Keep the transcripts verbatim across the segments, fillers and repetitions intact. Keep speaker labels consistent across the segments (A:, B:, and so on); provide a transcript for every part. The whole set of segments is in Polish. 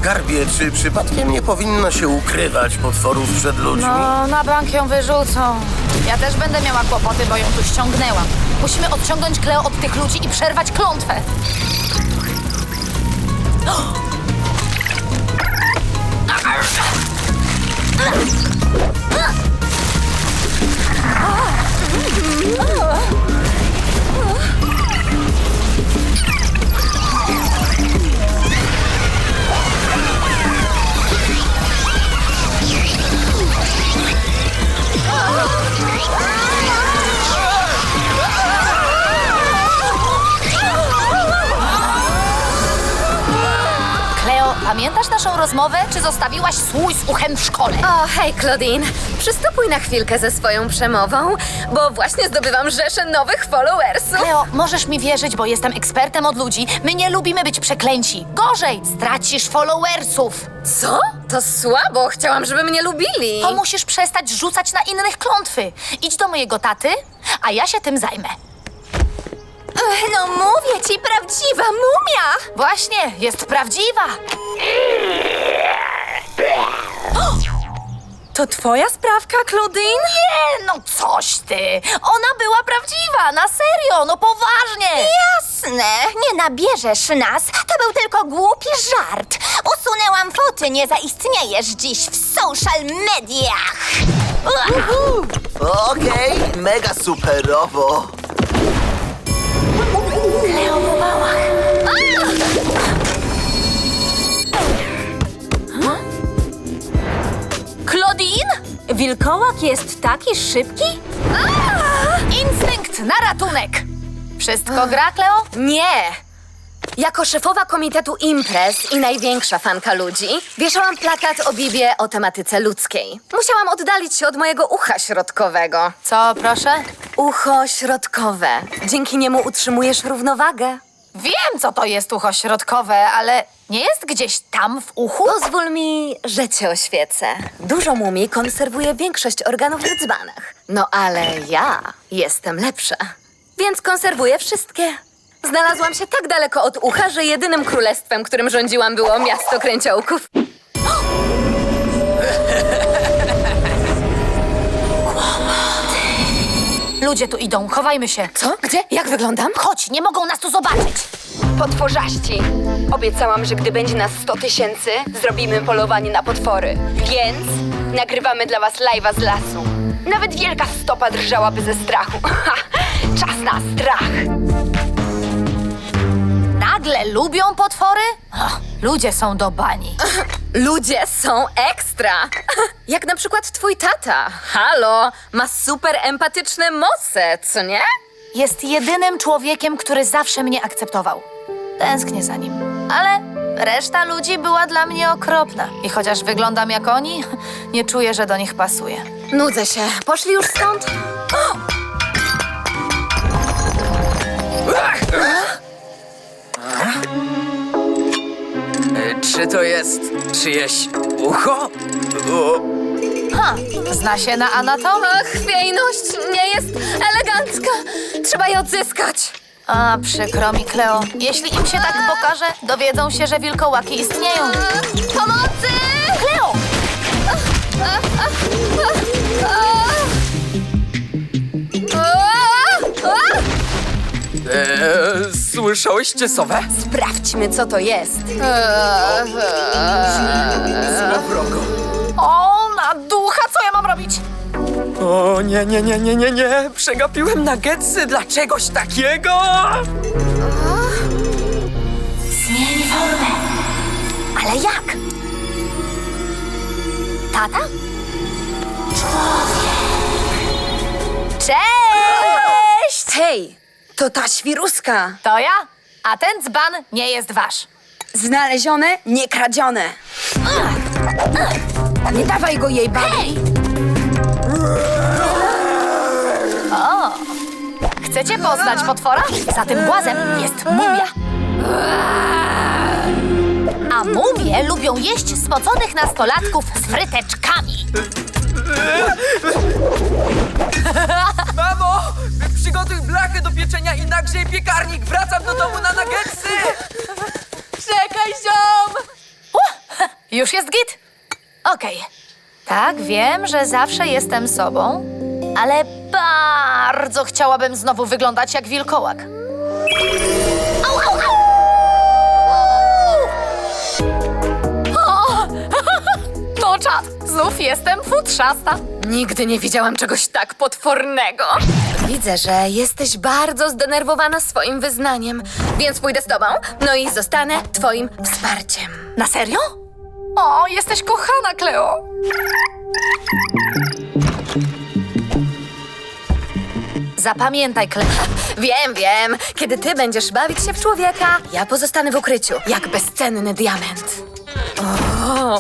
A: Skarbie, czy przypadkiem nie powinno się ukrywać potworów przed ludźmi?
B: No, na bank ją wyrzucą. Ja też będę miała kłopoty, bo ją tu ściągnęłam. Musimy odciągnąć Kleo od tych ludzi i przerwać klątwę. Kleo, pamiętasz naszą rozmowę, czy zostawiłaś słój z uchem w szkole?
C: O, hej, Claudine. Przystopuj na chwilkę ze swoją przemową, bo właśnie zdobywam rzeszę nowych followersów.
B: Kleo, możesz mi wierzyć, bo jestem ekspertem od ludzi. My nie lubimy być przeklęci. Gorzej, stracisz followersów.
C: Co? To słabo. Chciałam, żeby mnie lubili.
B: To musisz przestać rzucać na innych klątwy. Idź do mojego taty, a ja się tym zajmę.
C: Ech, no mówię ci, prawdziwa mumia!
B: Właśnie, jest prawdziwa.
C: To twoja sprawka, Claudine?
B: Nie, no coś ty. Ona była prawdziwa, na serio, no poważnie.
D: Jasne, nie nabierzesz nas. To był tylko głupi żart. Usunęłam foty, nie zaistniejesz dziś w social mediach.
A: Okej, mega superowo.
B: Kleo po bałach. Claudine?
C: Wilkołak jest taki szybki?
B: Instynkt na ratunek. Wszystko gra, Kleo?
C: Nie! Jako szefowa komitetu imprez i największa fanka ludzi, wieszałam plakat o Bibie o tematyce ludzkiej. Musiałam oddalić się od mojego ucha środkowego.
B: Co, proszę?
C: Ucho środkowe. Dzięki niemu utrzymujesz równowagę.
B: Wiem, co to jest ucho środkowe, ale nie jest gdzieś tam w uchu?
C: Pozwól mi, że cię oświecę. Dużo mumii konserwuje większość organów w dzbanach. No ale ja jestem lepsza, więc konserwuję wszystkie. Znalazłam się tak daleko od ucha, że jedynym królestwem, którym rządziłam, było miasto kręciołków.
B: Ludzie tu idą, chowajmy się.
C: Co? Gdzie? Jak wyglądam?
B: Chodź, nie mogą nas tu zobaczyć.
E: Potworzaści. Obiecałam, że gdy będzie nas sto tysięcy, zrobimy polowanie na potwory. Więc nagrywamy dla was live'a z lasu. Nawet wielka stopa drżałaby ze strachu. Ha! Czas na strach.
B: Nagle lubią potwory? Och, ludzie są do bani.
C: Ludzie są ekstra. Jak na przykład twój tata. Halo, ma super empatyczne moce, co nie?
B: Jest jedynym człowiekiem, który zawsze mnie akceptował. Tęsknię za nim. Ale reszta ludzi była dla mnie okropna. I chociaż wyglądam jak oni, nie czuję, że do nich pasuję.
C: Nudzę się. Poszli już stąd?
F: Czy to jest czyjeś ucho? O,
B: Ha, zna się na anatomii?
C: Ach, chwiejność nie jest elegancka. Trzeba je odzyskać.
B: A, przykro mi, Kleo. Jeśli im się tak pokaże, dowiedzą się, że wilkołaki istnieją.
C: Pomocy!
B: Kleo!
F: e, słyszałyście sowę?
E: Sprawdźmy, co to jest.
F: Na wrogo.
B: O, na ducha, co ja mam robić?
F: O nie, nie, nie, nie, nie, nie. Przegapiłem nuggetsy dla czegoś takiego.
B: Zmień formę. Ale jak? Tata? Człowiek. Cześć!
E: Hej, to ta świruska.
B: To ja, a ten dzban nie jest wasz.
E: Znalezione, nie kradzione. Nie dawaj go jej, babi.
B: Hej! O! Chcecie poznać potwora? Za tym głazem jest mumia. A mumie lubią jeść spoconych nastolatków z fryteczkami.
F: Mamo, przygotuj blachę do pieczenia i nagrzej piekarnik. Wracam do domu na nuggetsy.
B: Czekaj, ziom! Uh, Już jest git? Okej. Tak, wiem, że zawsze jestem sobą, ale bardzo chciałabym znowu wyglądać jak wilkołak. Au, au, au! O! No czad, znów jestem futrzasta.
C: Nigdy nie widziałam czegoś tak potwornego. Widzę, że jesteś bardzo zdenerwowana swoim wyznaniem, więc pójdę z tobą, no i zostanę twoim wsparciem.
B: Na serio? O, jesteś kochana, Kleo. Zapamiętaj, Kleo.
C: Wiem, wiem. Kiedy ty będziesz bawić się w człowieka, ja pozostanę w ukryciu, jak bezcenny diament. O,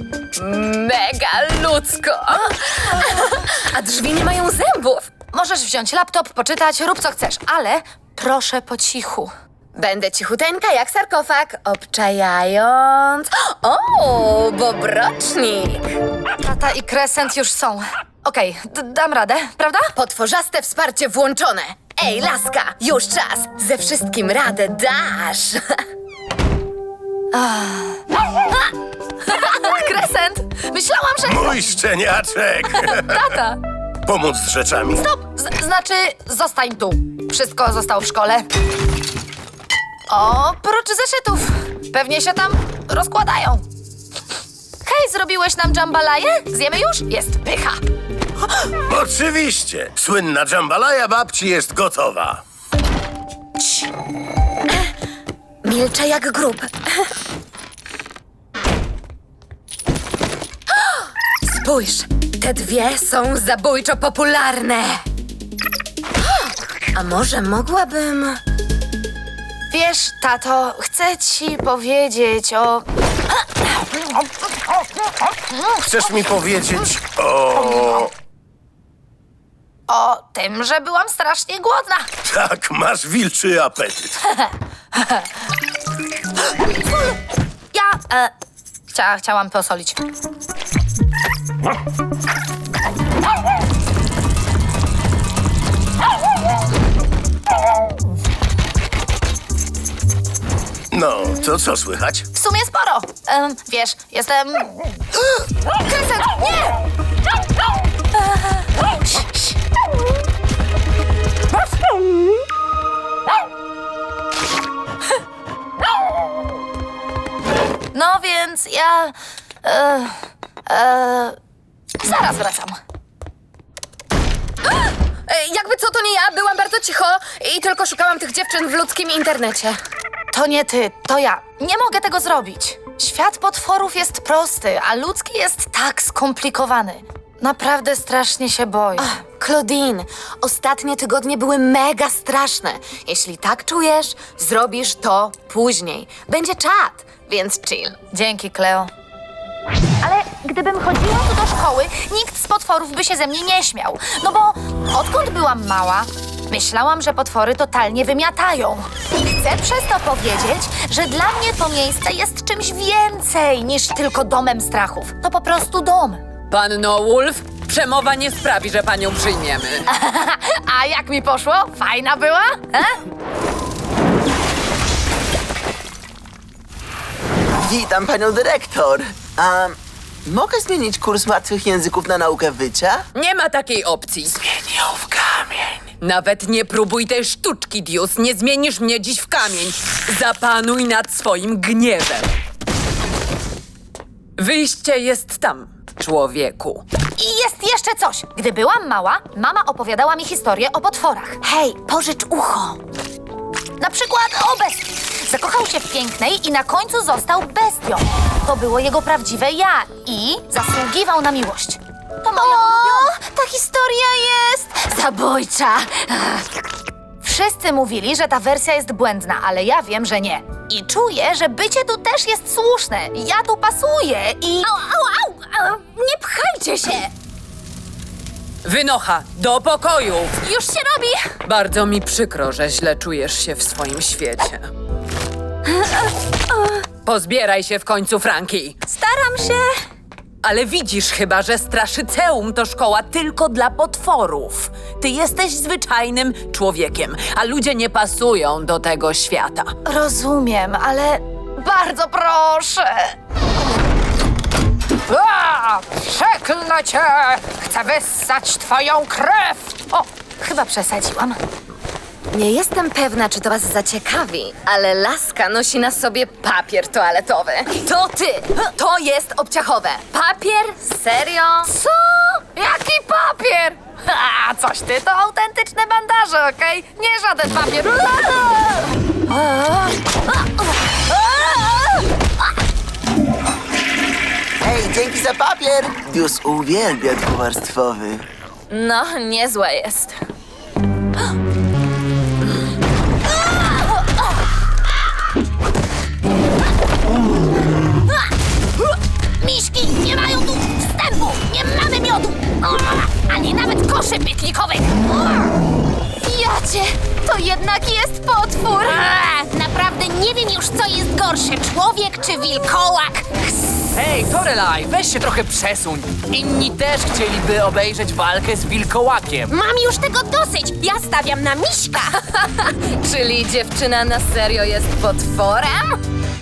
C: mega ludzko. A drzwi nie mają zębów.
B: Możesz wziąć laptop, poczytać, rób co chcesz, ale proszę po cichu.
C: Będę cichuteńka jak sarkofag, obczajając... O, bobrocznik.
B: Tata i Crescent już są. Okej, d- dam radę, prawda?
C: Potworzaste wsparcie włączone. Ej, laska, już czas. Ze wszystkim radę dasz.
B: Crescent! Myślałam, że...
A: Mój szczeniaczek!
B: Tata!
A: Pomóc z rzeczami.
B: Stop! Z- znaczy, zostań tu. Wszystko zostało w szkole. Oprócz zeszytów. Pewnie się tam rozkładają. Hej, zrobiłeś nam jambalaya? Zjemy już? Jest pycha.
A: Oczywiście. Słynna jambalaya babci jest gotowa.
C: Milczę jak grób. Spójrz, te dwie są zabójczo popularne. A może mogłabym...
B: Wiesz, tato, chcę ci powiedzieć o...
A: Chcesz mi powiedzieć o...
B: o tym, że byłam strasznie głodna.
A: Tak, masz wilczy apetyt.
B: Ja... E, chcia, chciałam posolić.
A: No, to co słychać?
B: W sumie sporo. Em, wiesz, jestem... Crescent, nie! No więc ja... E, e, zaraz wracam.
C: E, jakby co, to nie ja. Byłam bardzo cicho i tylko szukałam tych dziewczyn w ludzkim internecie.
B: To nie ty, to ja. Nie mogę tego zrobić. Świat potworów jest prosty, a ludzki jest tak skomplikowany. Naprawdę strasznie się boję.
C: Claudine, ostatnie tygodnie były mega straszne. Jeśli tak czujesz, zrobisz to później. Będzie czat, więc chill.
B: Dzięki, Kleo. Ale gdybym chodziła tu do szkoły, nikt z potworów by się ze mnie nie śmiał. No bo odkąd byłam mała, myślałam, że potwory totalnie wymiatają. Chcę przez to powiedzieć, że dla mnie to miejsce jest czymś więcej niż tylko domem strachów. To po prostu dom.
G: Panno Wolf, przemowa nie sprawi, że panią przyjmiemy.
B: A jak mi poszło? Fajna była? E?
H: Witam panią dyrektor. A mogę zmienić kurs martwych języków na naukę wycia?
G: Nie ma takiej opcji.
H: Zmienił w kamień.
G: Nawet nie próbuj tej sztuczki, Dius. Nie zmienisz mnie dziś w kamień. Zapanuj nad swoim gniewem. Wyjście jest tam, człowieku.
B: I jest jeszcze coś. Gdy byłam mała, mama opowiadała mi historię o potworach. Hej, pożycz ucho. Na przykład o bestii. Zakochał się w pięknej i na końcu został bestią. To było jego prawdziwe ja i zasługiwał na miłość. To moja ulubiona.
C: Ta historia jest zabójcza.
B: Wszyscy mówili, że ta wersja jest błędna, ale ja wiem, że nie. I czuję, że bycie tu też jest słuszne. Ja tu pasuję i...
C: Au, au, au, au. Nie pchajcie się.
G: Wynocha, do pokoju!
C: Już się robi.
G: Bardzo mi przykro, że źle czujesz się w swoim świecie. Pozbieraj się w końcu, Franki.
C: Staram się.
G: Ale widzisz chyba, że Straszyceum to szkoła tylko dla potworów. Ty jesteś zwyczajnym człowiekiem, a ludzie nie pasują do tego świata.
B: Rozumiem, ale bardzo proszę. Klnę cię! Chcę wyssać twoją krew! O, chyba przesadziłam.
C: Nie jestem pewna, czy to was zaciekawi, ale laska nosi na sobie papier toaletowy. To ty! To jest obciachowe. Papier? Serio?
B: Co? Jaki papier? Ha, coś ty, to autentyczne bandaże, okej? Nie żaden papier.
H: Hej, dzięki za papier! Dius uwielbia dwuwarstwowy.
C: No, niezłe jest.
D: Miszki nie mają tu wstępu! Nie mamy miodu! Ani nawet koszy piklikowych! Jacie, to jednak jest potwór! Naprawdę nie wiem już, co jest gorsze, człowiek czy wilkołak!
F: Hej, Torelaj, weź się trochę przesuń. Inni też chcieliby obejrzeć walkę z wilkołakiem.
D: Mam już tego dosyć! Ja stawiam na miśka!
C: Czyli dziewczyna na serio jest potworem?